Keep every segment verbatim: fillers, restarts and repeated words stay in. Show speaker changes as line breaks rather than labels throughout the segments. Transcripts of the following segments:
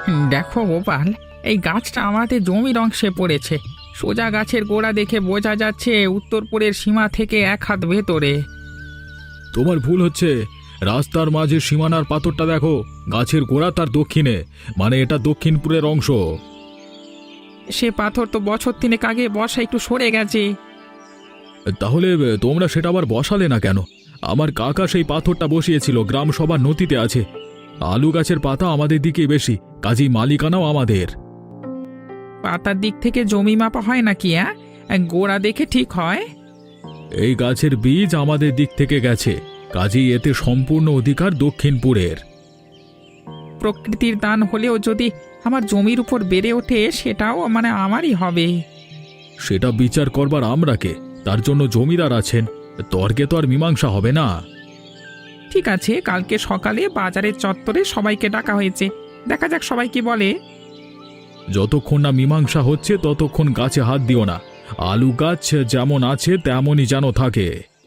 দেখো গোপাল, এই গাছটা আমাদের জমির অংশে পড়েছে। সোজা গাছের গোড়া দেখে বোঝা যাচ্ছে উত্তরপুরের সীমা থেকে এক হাত ভেতরে।
তোমার ভুল হচ্ছে। রাস্তার মাঝে সীমানার পাথরটা দেখো, গাছের গোড়া তার দক্ষিণে, মানে এটা দক্ষিণপুরের অংশ।
সে পাথর তো বছর তিনেক আগে বর্ষা একটু সরে গেছে।
তাহলে তোমরা সেটা আবার বসালে না কেন? আমার কাকা সেই পাথরটা বসিয়েছিল, গ্রাম সভার নথিতে আছে। আলু গাছের পাতা আমাদের দিকে বেশি, কাজেই মালিকানাও আমাদের।
পাতার দিক থেকে জমি মাপা হয় নাকি? হ্যাঁ, গোড়া দেখে ঠিক হয়।
এই গাছের বীজ আমাদের দিক থেকে গেছে, কাজেই এতে সম্পূর্ণ অধিকার দক্ষিণপুরের।
প্রকৃতির দান হলেও যদি আমার জমির উপর বেড়ে ওঠে, সেটাও মানে আমারই হবে।
সেটা বিচার করবার আমরা কে? তার জন্য জমিদার আছেন, তর্কে তো আর মীমাংসা হবে না।
ঠিক আছে, কালকে সকালে বাজারের চত্বরে সবাইকে ডাকা হয়েছে, দেখা যাক সবাই কি বলে।
যতক্ষণ না মীমাংসা হচ্ছে ততক্ষণ গাছে হাত দিও না। আলু গাছ যেমন আছে তেমনই যেন থাকে।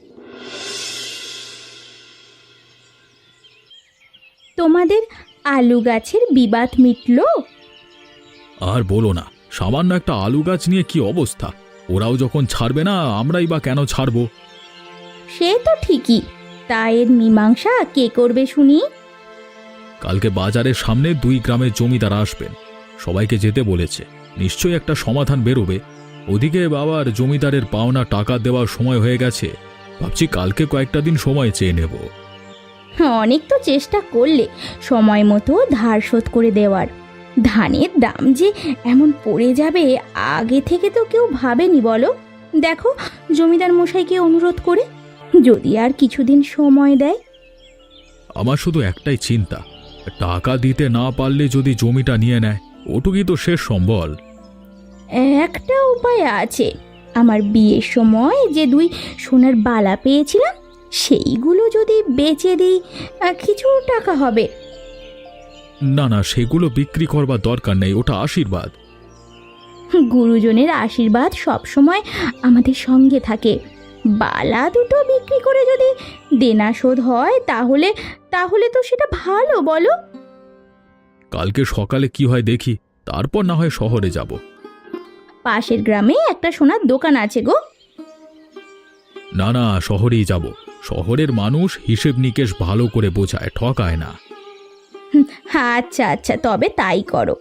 তোমাদের আলু গাছের বিবাদ মিটল?
আর বলো না, সামান্য একটা আলু গাছ নিয়ে কি অবস্থা। ওরাও যখন ছাড়বে না, আমরাই বা কেন ছাড়ব?
সে তো ঠিকই, তা এর মীমাংসা কে করবে শুনি?
কালকে বাজারের সামনে দুই গ্রামের জমিদার আসবেন, সবাইকে যেতে বলেছে। নিশ্চয়ই একটা সমাধান বেরোবে। ওদিকে বাবার জমিদারের পাওনা টাকা দেওয়ার সময় হয়ে গেছে, ভাবছি কালকে কয়েকটা দিন সময় চেয়ে নেব।
অনেক তো চেষ্টা করলে সময় মতো ধার শোধ করে দেওয়ার। ধানের দাম যে এমন পড়ে যাবে আগে থেকে তো কেউ ভাবেনি বলো। দেখো জমিদার মশাইকে অনুরোধ করে যদি আর কিছুদিন সময় দেয়।
আমার শুধু একটাই চিন্তা, টাকা দিতে না পারলে যদি জমিটা নিয়ে নেয়, ওটুকুই তো শেষ সম্বল।
একটা উপায় আছে, আমার বিয়ের সময় যে দুই সোনার বালা পেয়েছিলাম সেইগুলো যদি বেচে দিই কিছু টাকা হবে।
না না, সেগুলো বিক্রি করবার দরকার নেই, ওটা আশীর্বাদ।
গুরুজনের আশীর্বাদ সব সময় আমাদের সঙ্গে থাকে। বালা দুটো বিক্রি করে যদি দেনা শোধ হয় তাহলে তাহলে তো সেটা ভালো, বলো?
কালকে সকালে কি হয় দেখি, তারপর না হয় শহরে যাব।
পাশের গ্রামে একটা সোনার দোকান আছে গো।
না না, শহরেই যাব। শহরের মানুষ হিসেব নিকেশ ভালো করে বোঝায়, ঠকায় না।
আচ্ছা আচ্ছা, তবে তাই করো।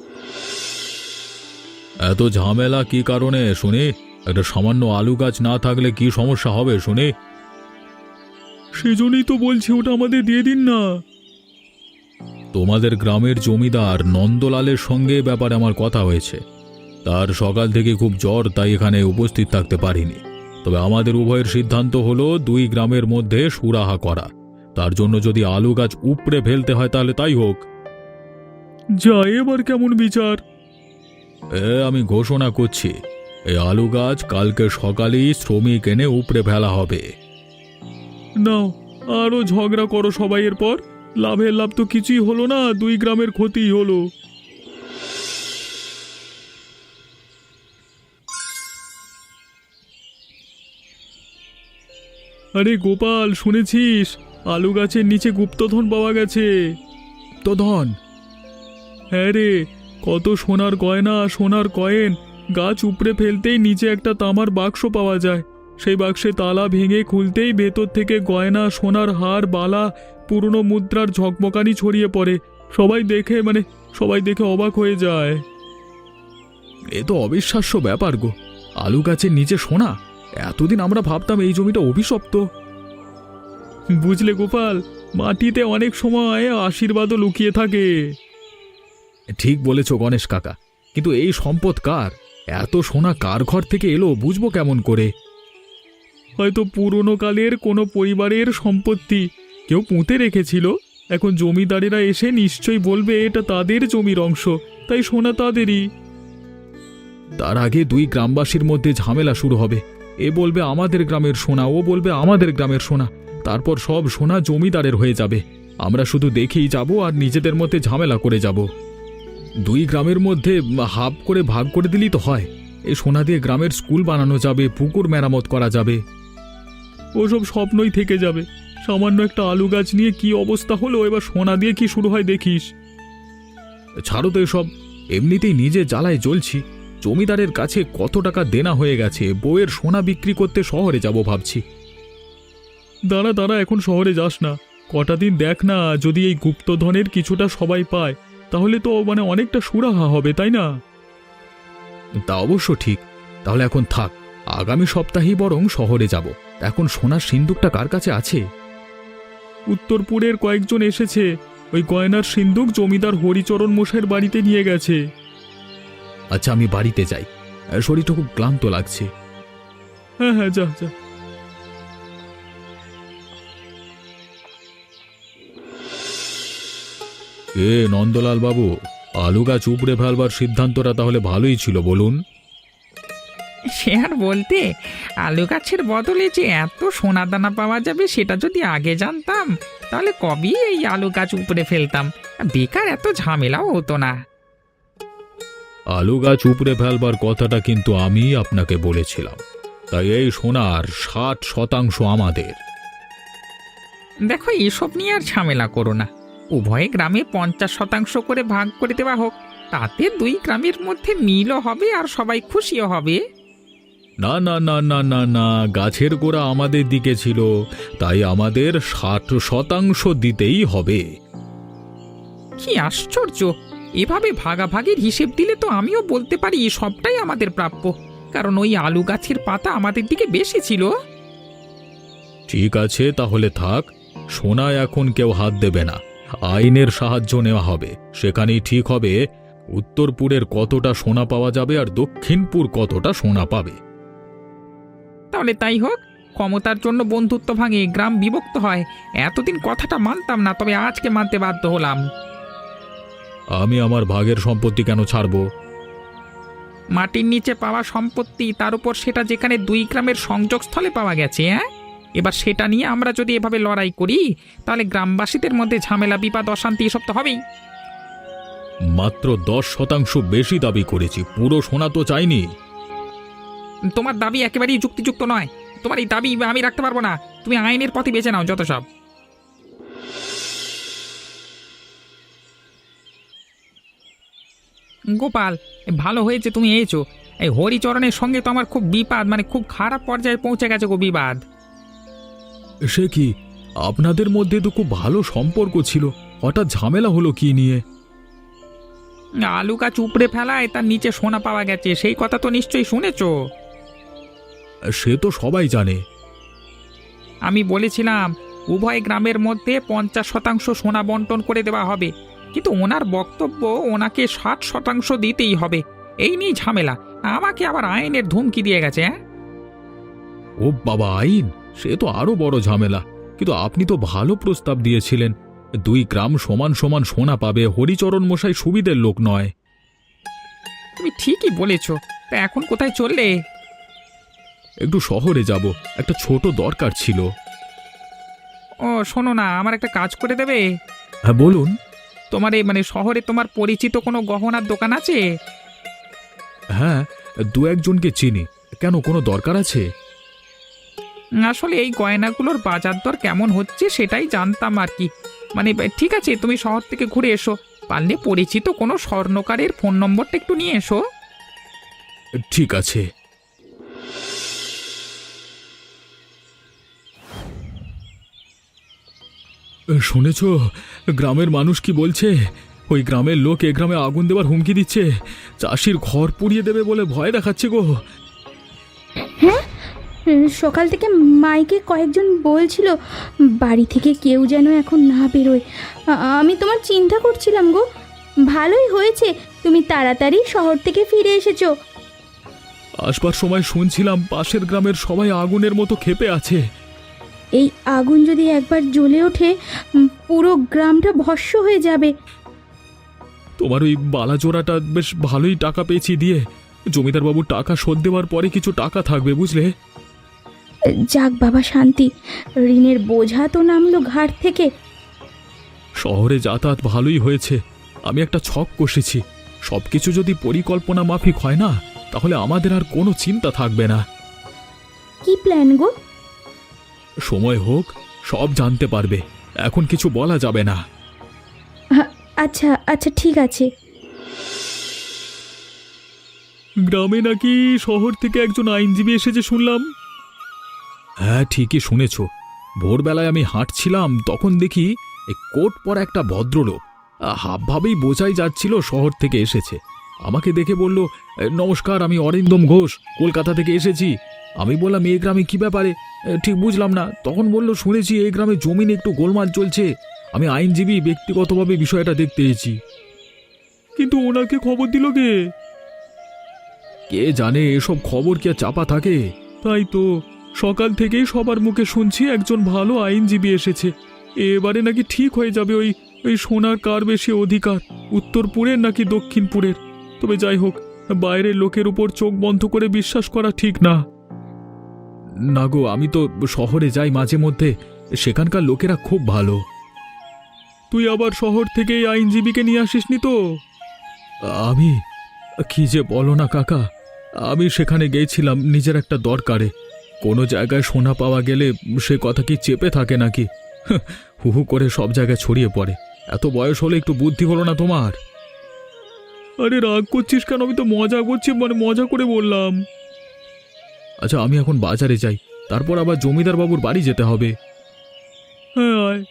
এত ঝামেলা কি কারণে শুনি? একটা সামান্য আলু গাছ না থাকলে কি সমস্যা হবে শুনি? সেজন্যই তো বলছি ওটা আমাদের দিয়ে দিন না। তোমাদের গ্রামের জমিদার নন্দলালের সঙ্গে ব্যাপারে আমার কথা হয়েছে। তার সকাল থেকে খুব জ্বর, তাই এখানে উপস্থিত থাকতে পারিনি। তবে আমাদের উভয়ের সিদ্ধান্ত হলো দুই গ্রামের মধ্যে সুরাহা করা। তার জন্য যদি আলু গাছ উপড়ে ফেলতে হয় তাহলে তাই হোক। যা, এবার কেমন বিচার? এ আমি ঘোষণা করছি, এই আলু গাছ কালকে সকালেই শ্রমিক এনে উপড়ে ফেলা হবে। নাও, আরো ঝগড়া করো সবাই, এরপর লাভের লাভ তো কিছুই হলো না, দুই গ্রামের ক্ষতি হলো। আরে গোপাল, শুনেছিস আলু গাছের নিচে গুপ্তধন পাওয়া গেছে? তো ধন? হ্যাঁ রে, কত সোনার গয়না, সোনার কয়েন। গাছ উপড়ে ফেলতেই নিচে একটা তামার বাক্স পাওয়া যায়। সেই বাক্সে তালা ভেঙে খুলতেই ভেতর থেকে গয়না, সোনার হার, বালা, পুরনো মুদ্রার ঝকমকানি ছড়িয়ে পড়ে। সবাই দেখে মানে সবাই দেখে অবাক হয়ে যায়। এ তো অবিশ্বাস্য ব্যাপার গো, আলু গাছের নিচে সোনা! এতদিন আমরা ভাবতাম এই জমিটা অভিশপ্ত। বুঝলে গোপাল, মাটিতে অনেক সময় আশীর্বাদও লুকিয়ে থাকে। ঠিক বলেছ গণেশ কাকা, কিন্তু এই সম্পদ কার? এত সোনা কার ঘর থেকে এলো বুঝবো কেমন করে? হয়তো পুরনো কালের কোনো পরিবারের সম্পত্তি, কেউ পুঁতে রেখেছিল। এখন জমিদারেরা এসে নিশ্চয়ই বলবে এটা তাদের জমির অংশ, তাই সোনা তাদেরই। তার আগে দুই গ্রামবাসীর মধ্যে ঝামেলা শুরু হবে। এ বলবে আমাদের গ্রামের সোনা, ও বলবে আমাদের গ্রামের সোনা। তারপর সব সোনা জমিদারের হয়ে যাবে। আমরা শুধু দেখেই যাব আর নিজেদের মধ্যে ঝামেলা করে যাব। দুই গ্রামের মধ্যে হাফ করে ভাগ করে দিলেই তো হয়। এই সোনা দিয়ে গ্রামের স্কুল বানানো যাবে, পুকুর মেরামত করা যাবে। ওসব স্বপ্নই থেকে যাবে। সামান্য একটা আলু গাছ নিয়ে কি অবস্থা হলো, এবার সোনা দিয়ে কি শুরু হয় দেখিস। ছাড়ো তো এসব, এমনিতেই নিজে জ্বালায় জ্বলছি। জমিদারের কাছে কত টাকা দেনা হয়ে গেছে, বউয়ের সোনা বিক্রি করতে শহরে যাব ভাবছি। দাঁড়া দাঁড়া, এখন শহরে যাস না, কটা দিন দেখ না, যদি এই গুপ্তধনের কিছুটা সবাই পায় তাহলে তো মানে অনেকটা সুরাহা হবে, তাই না? তা অবশ্য ঠিক। তাহলে এখন থাক, আগামী সপ্তাহেই বরং শহরে যাব। এখন সোনার সিন্দুকটা কার কাছে আছে? উত্তরপুরের কয়েকজন এসেছে, ওই গয়নার সিন্দুক জমিদার হরিচরণ মশাইয়ের বাড়িতে নিয়ে গেছে। আচ্ছা, আমি বাড়িতে যাই, শরীরটা খুব ক্লান্ত লাগছে। হ্যাঁ হ্যাঁ, যা যা। এ নন্দলাল বাবু, আলু গাছ উপড়ে ফেলবার সিদ্ধান্তটা তাহলে ভালোই ছিল, বলুন।
সে আর বলতে, আলু গাছের বদলে যে এত সোনা দানা পাওয়া যাবে সেটা যদি আগে জানতাম তাহলে কবেই এই আলু গাছ উপড়ে ফেলতাম, বেকার এত ঝামেলাও হতো না।
আলু গাছ উপড়ে ফেলবার কথাটা কিন্তু আমি আপনাকে বলেছিলাম, তাই এই সোনার ষাট শতাংশ আমাদের।
দেখো, এসব নিয়ে আর ঝামেলা করো না, উভয় গ্রামে পঞ্চাশ শতাংশ করে ভাগ করে দেওয়া হোক, তাতে দুই গ্রামের মধ্যে মিলও হবে আর সবাই খুশিও হবে।
না না না না না না, গাছের গোড়া আমাদের দিকে ছিল, তাই আমাদের ষাট শতাংশ দিতেই হবে।
কি আশ্চর্য! এভাবে ভাগাভাগির হিসেব দিলে তো আমিও বলতে পারি সবটাই আমাদের প্রাপ্য, কারণ ওই আলু গাছের পাতা আমাদের দিকে বেশি ছিল।
ঠিক আছে, তাহলে থাক, সোনায় এখন কেউ হাত দেবে না, আইনের সাহায্য নেওয়া হবে। সেখানেই ঠিক হবে উত্তরপুরের কতটা সোনা পাওয়া যাবে আর দক্ষিণপুর কতটা সোনা পাবে।
তাহলে তাই হোক, ক্ষমতার জন্য বন্ধুত্ব ভাঙে, গ্রাম বিভক্ত হয়। এতদিন কথাটা মানতাম না, তবে আজকে মানতে বাধ্য হলাম।
আমি আমার ভাগের সম্পত্তি কেন ছাড়ব?
মাটির নিচে পাওয়া সম্পত্তি, তার উপর সেটা যেখানে দুই গ্রামের সংযোগস্থলে পাওয়া গেছে। হ্যাঁ, এবার সেটা নিয়ে আমরা যদি এভাবে লড়াই করি তাহলে গ্রামবাসীদের মধ্যে ঝামেলা, বিবাদ, অশান্তি এসব তো হবেই।
মাত্র দশ শতাংশ বেশি দাবি করেছি, পুরো সোনা তো চাইনি।
তোমার দাবি একেবারেই যুক্তিযুক্ত নয়, তোমার এই দাবি আমি রাখতে পারবো না। তুমি আইনের পথে বেছে নাও যত সব। গোপাল, ভালো হয়েছে তুমি এসেছো। এই হরিচরণের সঙ্গে তো আমার খুব বিবাদ, মানে খুব খারাপ পর্যায়ে পৌঁছে গেছে গো বিবাদ।
সে কি, আপনাদের মধ্যে তো খুব ভালো সম্পর্ক ছিল, হঠাৎ ঝামেলা হলো কি নিয়ে?
আলু গাছ উপড়ে ফেলায় তার নিচে সোনা পাওয়া গেছে, সেই কথা তো নিশ্চয়ই শুনেছো।
সে তো সবাই জানে।
আমি বলেছিলাম উভয় গ্রামের মধ্যে পঞ্চাশ শতাংশ সোনা বন্টন করে দেওয়া হবে, কিন্তু ওনার বক্তব্য ওনাকে ষাট শতাংশ দিতেই হবে। এই নিয়ে ঝামেলা, আমাকে আবার আইনের ধুমকি দিয়ে গেছে। হ্যাঁ,
ও বাবা, আইন? সে তো আরো বড় ঝামেলা। কিন্তু আপনি তো ভালো প্রস্তাব দিয়েছিলেন, দুই গ্রাম সমান সমান সোনা পাবে, হরিচরণ মশাই সুবিধের লোক নয়।
তুমি ঠিকই বলেছ। তা এখন কোথায় চললে?
একটু শহরে যাব, একটা ছোট দরকার ছিল।
ও শোনো না, আমার একটা কাজ করে দেবে?
হ্যাঁ বলুন।
তোমার এই মানে শহরে তোমার পরিচিত কোনো গহনার দোকান আছে?
হ্যাঁ, দু একজনকে চিনি। কেন, কোনো দরকার আছে?
আসলে এই গয়নাগুলোর বাজার দর কেমন হচ্ছে সেটাই জানতাম আর কি। মানে ঠিক আছে, তুমি শহর থেকে ঘুরে এসো, পারলে পরিচিত কোনো স্বর্ণকারের ফোন নম্বরটা একটু নিয়ে এসো।
ঠিক আছে। শুনেছ গ্রামের মানুষ কি বলছে? ওই গ্রামের লোক এ গ্রামে আগুন দেবার হুমকি দিচ্ছে, চাষির ঘর পুড়িয়ে দেবে বলে ভয় দেখাচ্ছে গো।
হ্যাঁ, সকাল থেকে মাইকে কয়েকজন বলছিল বাড়ি থেকে কেউ যেন এখন না বেরোয়। আ- আমি তোমার চিন্তা করছিলাম গো, ভালোই হয়েছে তুমি তাড়াতাড়ি শহর থেকে ফিরে এসেছো।
আসবার সময় শুনছিলাম পাশের গ্রামের সবাই আগুনের মতো ক্ষেপে আছে।
এই আগুন যদি একবার জ্বলে ওঠে, উম, পুরো গ্রামটা ভস্ম হয়ে যাবে।
তোমার ওই বালাজোড়াটা বেশ ভালোই টাকা পেয়েছি দিয়ে, জমিদারবাবু টাকা শোধ দেওয়ার পরে কিছু টাকা থাকবে, বুঝলে?
যাক বাবা, শান্তি, ঋণের বোঝা তো নামলো ঘাট থেকে।
শহরে যাতায়াত ভালোই হয়েছে। আমি একটা ছক কষেছি, সবকিছু যদি পরিকল্পনা মাফিক হয় না, তাহলে আমাদের আর কোনো চিন্তা থাকবে না।
কি প্ল্যান গো?
সময় হোক, সব জানতে পারবে, এখন কিছু বলা যাবে না।
আ- আচ্ছা আচ্ছা ঠিক আছে।
গ্রামে নাকি শহর থেকে একজন আইনজীবী এসেছে শুনলাম। হ্যাঁ ঠিকই শুনেছ। ভোরবেলায় আমি হাঁটছিলাম, তখন দেখি এই কোট পরা একটা ভদ্রলোক, আহ, হাবভাবেই বোঝাই যাচ্ছিল শহর থেকে এসেছে। আমাকে দেখে বলল, "এ, নমস্কার, আমি অরিন্দম ঘোষ, কলকাতা থেকে এসেছি।" আমি বললাম, এই গ্রামে কি ব্যাপারে? এ, ঠিক বুঝলাম না। তখন বলল, শুনেছি এই গ্রামে জমি নিয়ে একটু গোলমাল চলছে, আমি আইনজীবী, ব্যক্তিগতভাবে বিষয়টা দেখতে এসেছি। কিন্তু ওনাকে খবর দিল কে? কে জানে, এসব খবর কি আর চাপা থাকে? তাই তো, সকাল থেকেই সবার মুখে শুনছি একজন ভালো আইনজীবী এসেছে, এবারে নাকি ঠিক হয়ে যাবে ওই ওই সোনার কার বেশি অধিকার, উত্তরপুরের নাকি দক্ষিণপুরের। তবে যাই হোক, বাইরের লোকের উপর চোখ বন্ধ করে বিশ্বাস করা ঠিক না। না গো, আমি তো শহরে যাই মাঝে মধ্যে, সেখানকার লোকেরা খুব ভালো। তুই আবার শহর থেকে এই আইনজীবীকে নিয়ে আসিসনি তো? আমি কি যে বলো না কাকা, আমি সেখানে গিয়েছিলাম নিজের একটা দরকারে। কোনো জায়গায় সোনা পাওয়া গেলে সে কথা কি চেপে থাকে নাকি? হু হু করে সব জায়গায় ছড়িয়ে পড়ে। এত বয়স হলে একটু বুদ্ধি হলো না তোমার? আরে রাগ করছিস কেন? আমি তো মজা করছি, মানে মজা করে বললাম। আচ্ছা, আমি এখন বাজারে যাই, তারপর আবার জমিদার বাবুর বাড়ি যেতে হবে। হ্যাঁ আয়।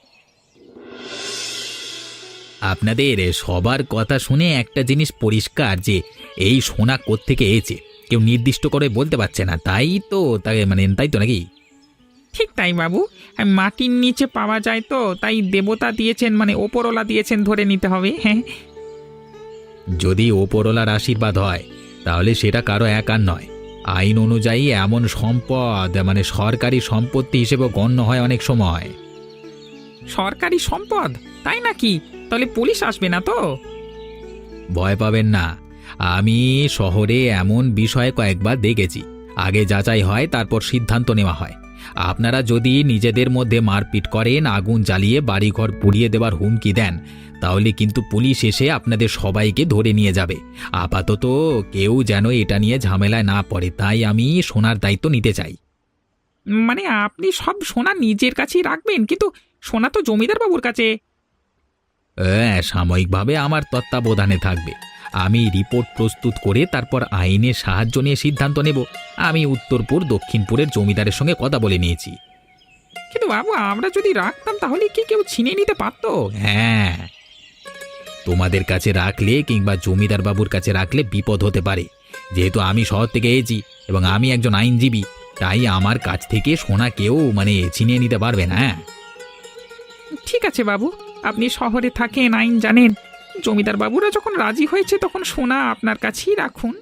আপনাদের সবার কথা শুনে একটা জিনিস পরিষ্কার যে এই সোনা কোত্থেকে এসেছে কেউ নির্দিষ্ট করে বলতে পারছে না, তাই তো তাই মানে তাই তো নাকি?
ঠিক তাই বাবু, আর মাটির নিচে পাওয়া যায় তো, তাই দেবতা দিয়েছেন, মানে ওপরওয়ালা দিয়েছেন ধরে নিতে হবে। হ্যাঁ,
যদি ওপরওয়ালার আশীর্বাদ হয় তাহলে সেটা কারো একার নয়। আইন অনুযায়ী এমন সম্পদ মানে সরকারি সম্পত্তি হিসেবে গণ্য হয় অনেক সময়।
সরকারি সম্পদ তাই নাকি? তাহলে পুলিশ আসবে না তো?
ভয় পাবেন না, আমি শহরে এমন বিষয়ে কয়েকবার দেখেছি। আগে যাচাই হয়, তারপর সিদ্ধান্ত নেওয়া হয়। আপনারা যদি নিজেদের মধ্যে মারপিট করেন, আগুন জ্বালিয়ে বাড়িঘর পুড়িয়ে দেওয়ার হুমকি দেন, তাহলে কিন্তু পুলিশ এসে আপনাদের সবাইকে ধরে নিয়ে যাবে। আপাতত কেউ যেন এটা নিয়ে ঝামেলায় না পড়ে, তাই আমি সোনার দায়িত্ব নিতে চাই।
মানে আপনি সব সোনা নিজের কাছেই রাখবেন, কিন্তু সোনা তো জমিদার বাবুর কাছে।
হ্যাঁ, সাময়িকভাবে আমার তত্ত্বাবধানে থাকবে। আমি রিপোর্ট প্রস্তুত করে তারপর আইনের সাহায্য নিয়ে সিদ্ধান্ত নেব। আমি উত্তরপুর দক্ষিণপুরের জমিদারের সঙ্গে কথা বলে নিয়েছি।
কিন্তু বাবু, আমরা যদি রাখতাম তাহলে কি কেউ ছিনিয়ে নিতে পারতো?
হ্যাঁ, তোমাদের কাছে রাখলে কিংবা জমিদার বাবুর কাছে রাখলে বিপদ হতে পারে। যেহেতু আমি শহর থেকে এসেছি এবং আমি একজন আইনজীবী, তাই আমার কাছ থেকে সোনা কেউ মানে ছিনিয়ে নিতে পারবে না।
ঠিক আছে বাবু, আপনি শহরে থাকেন, আইন জানেন। জমিদার বাবুরা যখন রাজি হয়েছে তখন সোনা আপনার কাছেই রাখুন।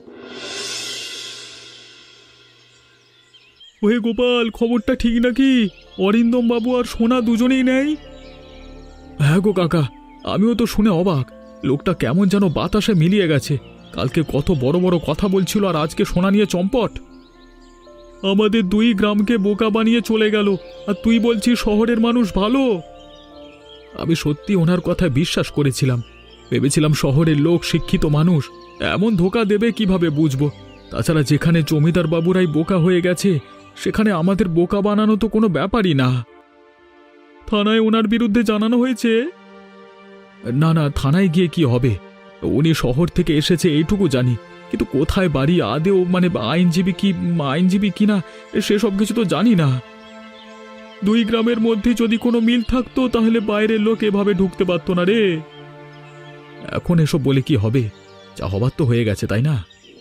ওহে গোপাল, খবরটা ঠিক নাকি? অরিন্দম বাবু আর সোনা দুজনেই নেই? হ্যাঁ গো কাকা, আমিও তো শুনে অবাক। লোকটা কেমন যেন বাতাসে মিলিয়ে গেছে। কালকে কত বড় বড় কথা বলছিল, আর আজকে সোনা নিয়ে চম্পট। আমাদের দুই গ্রামকে বোকা বানিয়ে চলে গেল, আর তুই বলছিস শহরের মানুষ ভালো? আমি সত্যি ওনার কথায় বিশ্বাস করেছিলাম। ভেবেছিলাম শহরের লোক শিক্ষিত মানুষ, এমন ধোকা দেবে কিভাবে বুঝবো? তাছাড়া যেখানে জমিদার বাবুরাই বোকা হয়ে গেছে, সেখানে আমাদের বোকা বানানো তো কোনো ব্যাপারই না। থানায় ওনার বিরুদ্ধে জানানো হয়েছে? না না, থানায় গিয়ে কি হবে? উনি শহর থেকে এসেছে এইটুকু জানি, কিন্তু কোথায় বাড়ি, আদেও মানে আইনজীবী কি আইনজীবী কিনা সেসব কিছু তো জানি না। দুই গ্রামের মধ্যে যদি কোনো মিল থাকতো তাহলে বাইরের লোক এভাবে ঢুকতে পারতো না রে। এখন এসব বলে কি হবে? যা হবার তো হয়ে গেছে, তাই না?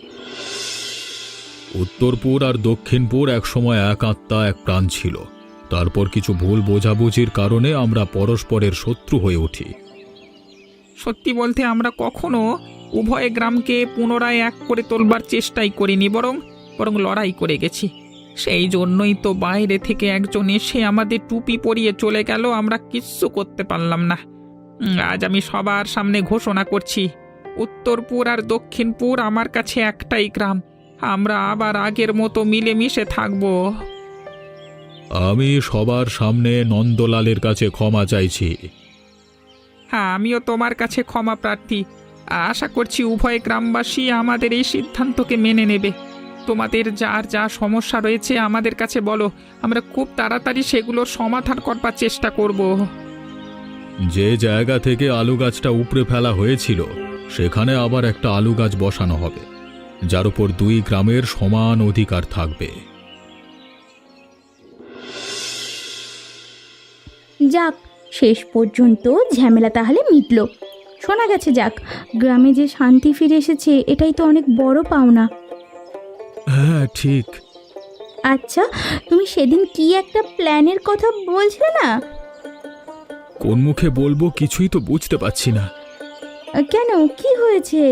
উত্তরপুর আর দক্ষিণপুর একসময় এক আত্মা এক প্রাণ ছিল। তারপর কিছু ভুল বোঝাবুঝির কারণে আমরা পরস্পরের শত্রু হয়ে উঠি।
সত্যি বলতে আমরা কখনো উভয় গ্রামকে পুনরায় এক করে তোলবার চেষ্টাই করিনি, বরং বরং লড়াই করে গেছি। সেই জন্যই তো বাইরে থেকে একজন এসে আমাদের টুপি পরিয়ে চলে গেল, আমরা কিচ্ছু করতে পারলাম না। উম, আজ আমি সবার সামনে ঘোষণা করছি, উত্তরপুর আর দক্ষিণপুর আমার কাছে একটাই গ্রাম। আমরা আবার আগের মতো মিলেমিশে থাকবো।
আমি সবার সামনে নন্দলালের কাছে ক্ষমা চাইছি।
হ্যাঁ, আমিও তোমার কাছে ক্ষমা প্রার্থী। আশা করছি উভয় গ্রামবাসী আমাদের এই সিদ্ধান্তকে মেনে নেবে। তোমাদের যার যা সমস্যা রয়েছে আমাদের কাছে বলো, আমরা খুব তাড়াতাড়ি সেগুলোর সমাধান করবার চেষ্টা করব।
যে জায়গা থেকে আলু গাছটা উপড়ে ফেলা হয়েছিল সেখানে আবার একটা আলু গাছ বসানো হবে, যার উপর দুই গ্রামের সমান অধিকার থাকবে।
যাক, শেষ পর্যন্ত ঝামেলা তাহলে মিটল। শোনা গেছে, যাক, গ্রামে যে শান্তি ফিরে এসেছে এটাই তো অনেক বড় পাওনা।
হ্যাঁ ঠিক।
আচ্ছা, তুমি সেদিন কি একটা প্ল্যানের কথা বলছিলে না?
কোন মুখে বলবো কিছুই তো বুঝতে পারছি না।
কেন, কি হয়েছে?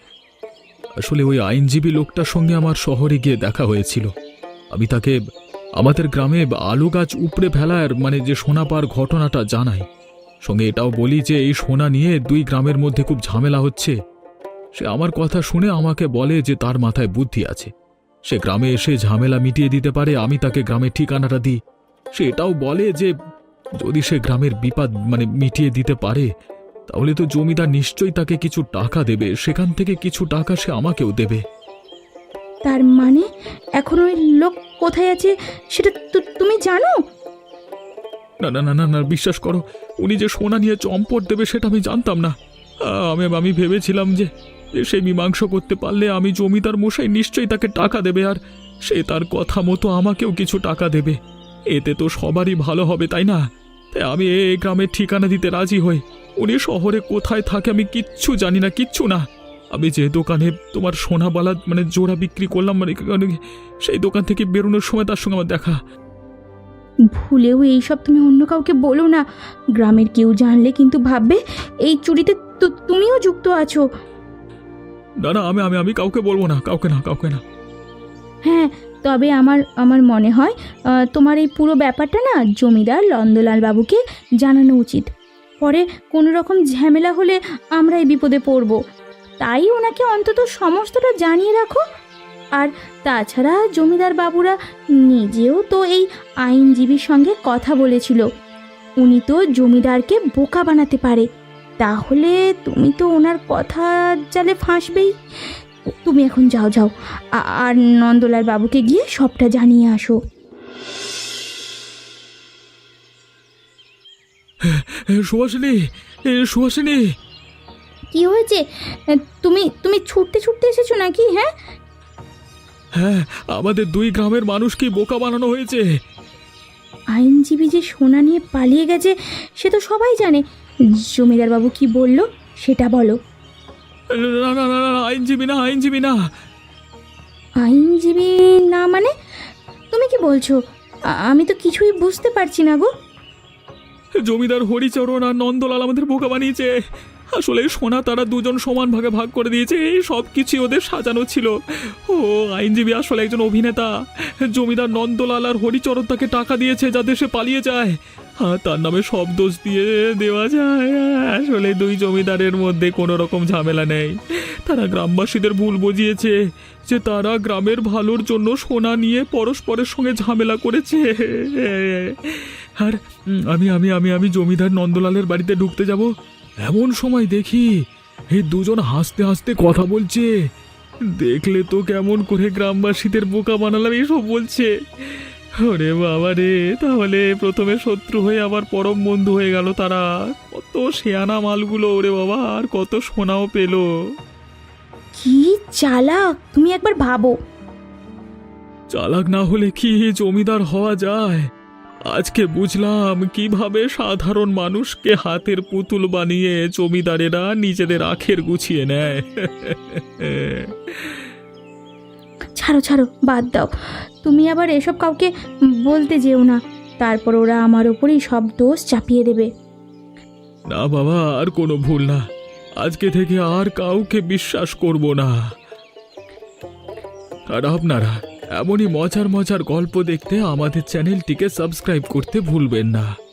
আসলে ওই আইনজীবী লোকটার সঙ্গে আমার শহরে গিয়ে দেখা হয়েছিল। আমি তাকে আমাদের গ্রামে আলু গাছ উপড়ে ফেলার মানে যে সোনা পাওয়ার ঘটনাটা জানাই, সঙ্গে এটাও বলি যে এই সোনা নিয়ে দুই গ্রামের মধ্যে খুব ঝামেলা হচ্ছে। সে আমার কথা শুনে আমাকে বলে যে তার মাথায় বুদ্ধি আছে, সে গ্রামে এসে ঝামেলা মিটিয়ে দিতে পারে। আমি তাকে গ্রামের ঠিকানাটা দিই। সে এটাও বলে যে যদি সে গ্রামের বিপদ মানে মিটিয়ে দিতে পারে তাহলে তো জমিদার নিশ্চয়ই তাকে কিছু টাকা দেবে, সেখান থেকে কিছু টাকা সে আমাকেও দেবে।
তার মানে এখন ওই লোক কোথায় আছে সেটা তু- তুমি জানো?
না না না না না বিশ্বাস করো, উনি যে সোনা নিয়ে চম্পট দেবে সেটা আমি জানতাম না। আ, আমি আমি ভেবেছিলাম যে যে সে মীমাংসা করতে পারলে আমি জমিদার মশাই নিশ্চয়ই তাকে টাকা দেবে, আর সে তার কথা মতো আমাকেও কিছু টাকা দেবে। এতে তো সবারই ভালো হবে, তাই না? তাই আমি এই গ্রামের ঠিকানা দিতে রাজি হই। উনি শহরে কোথায় থাকে আমি কিচ্ছু জানি না, কিচ্ছু না। আমি যে দোকানে তোমার সোনাবালা মানে জোড়া বিক্রি করলাম, মানে সেই দোকান থেকে বেরোনোর সময় তার সঙ্গে আমার দেখা।
ভুলেও এইসব তুমি অন্য কাউকে বলো না। গ্রামের কেউ জানলে কিন্তু ভাববে এই চুরিতে তু- তুমিও যুক্ত আছো।
না না আমি আমি আমি কাউকে বলবো না, কাউকে না, কাউকে না।
হ্যাঁ, তবে আমার আমার মনে হয় আহ, তোমার এই পুরো ব্যাপারটা না জমিদার নন্দলাল বাবুকে জানানো উচিত। পরে কোনো রকম ঝামেলা হলে আমরাই বিপদে পড়ব। তাই ওনাকে অন্তত সমস্তটা জানিয়ে রাখো। আর তাছাড়া জমিদার বাবুরা নিজেও তো এই আইনজীবীর সঙ্গে কথা বলেছিল। উনি তো জমিদারকে বোকা বানাতে পারে। তাহলে তুমি তো ওনার কথা জালে ফাঁসবেই। তুমি এখন যাও যাও আ- আর নন্দলাল বাবুকে গিয়ে সবটা জানিয়ে আসো।
এ, সুহাসিনী, এ, সুহাসিনী।
কি হয়েছে? তুমি তুমি ছুটতে ছুটতে এসেছো নাকি? হ্যাঁ
হ্যাঁ, আমাদের দুই গ্রামের মানুষকে বোকা বানানো হয়েছে।
আইনজীবী যে সোনা নিয়ে পালিয়ে গেছে সে তো সবাই জানে। জমিদার বাবু কি বললো সেটা বলো।
না না না না, আইনজীবী না, আইনজীবী না।
আইনজীবী না মানে? তুমি কি বলছো? আ- আমি তো কিছুই বুঝতে পারছি না গো।
জমিদার হরিচরণ আর নন্দলাল আমাদের বোকা বানিয়েছে। আসলে সোনা তারা দুজন সমান ভাগে ভাগ করে দিয়েছে, এই সব কিছু ওদের সাজানো ছিল। ও আইনজীবী আসলে একজন অভিনেতা। জমিদার নন্দলাল আর হরিচরণ তাকে টাকা দিয়েছে যাতে সে পালিয়ে যায়, আর তার নামে সব দোষ দিয়ে দেওয়া যায়। আসলে দুই জমিদারের মধ্যে কোনো রকম ঝামেলা নেই। তারা গ্রামবাসীদের ভুল বুঝিয়েছে যে তারা গ্রামের ভালোর জন্য সোনা নিয়ে পরস্পরের সঙ্গে ঝামেলা করেছে। আর উম, আমি আমি আমি আমি জমিদার নন্দলালের বাড়িতে ঢুকতে যাব, এমন সময় দেখি এই দুজন হাসতে হাসতে কথা বলছে। দেখলে তো কেমন করে গ্রামবাসীদের বোকা বানালাম এইসব বলছে। ওরে বাবা রে, তাহলে প্রথমে শত্রু হয়ে আবার পরম বন্ধু হয়ে গেল তারা। কত শেয়ানা মালগুলো, ওরে বাবা, আর কত সোনাও পেলো।
কি চালাক! তুমি একবার ভাবো।
চালাক না হলে কি জমিদার হওয়া যায়? আজকে বুঝলাম কিভাবে সাধারণ মানুষকে হাতের পুতুল বানিয়ে জমিদারেরা নিজেদের আখের গুছিয়ে নেয়।
ছাড়ো ছাড়ো, বাদ দাও। তুমি আবার এসব কাউকে বলতে যেও না, তারপর ওরা আমার ওপরই সব দোষ চাপিয়ে দেবে।
না বাবা, আর কোনো ভুল না। আজকে থেকে আর কাউকে বিশ্বাস করব না। আর আপনারা এমনই মজার মজার গল্প দেখতে আমাদের চ্যানেলটিকে সাবস্ক্রাইব করতে ভুলবেন না।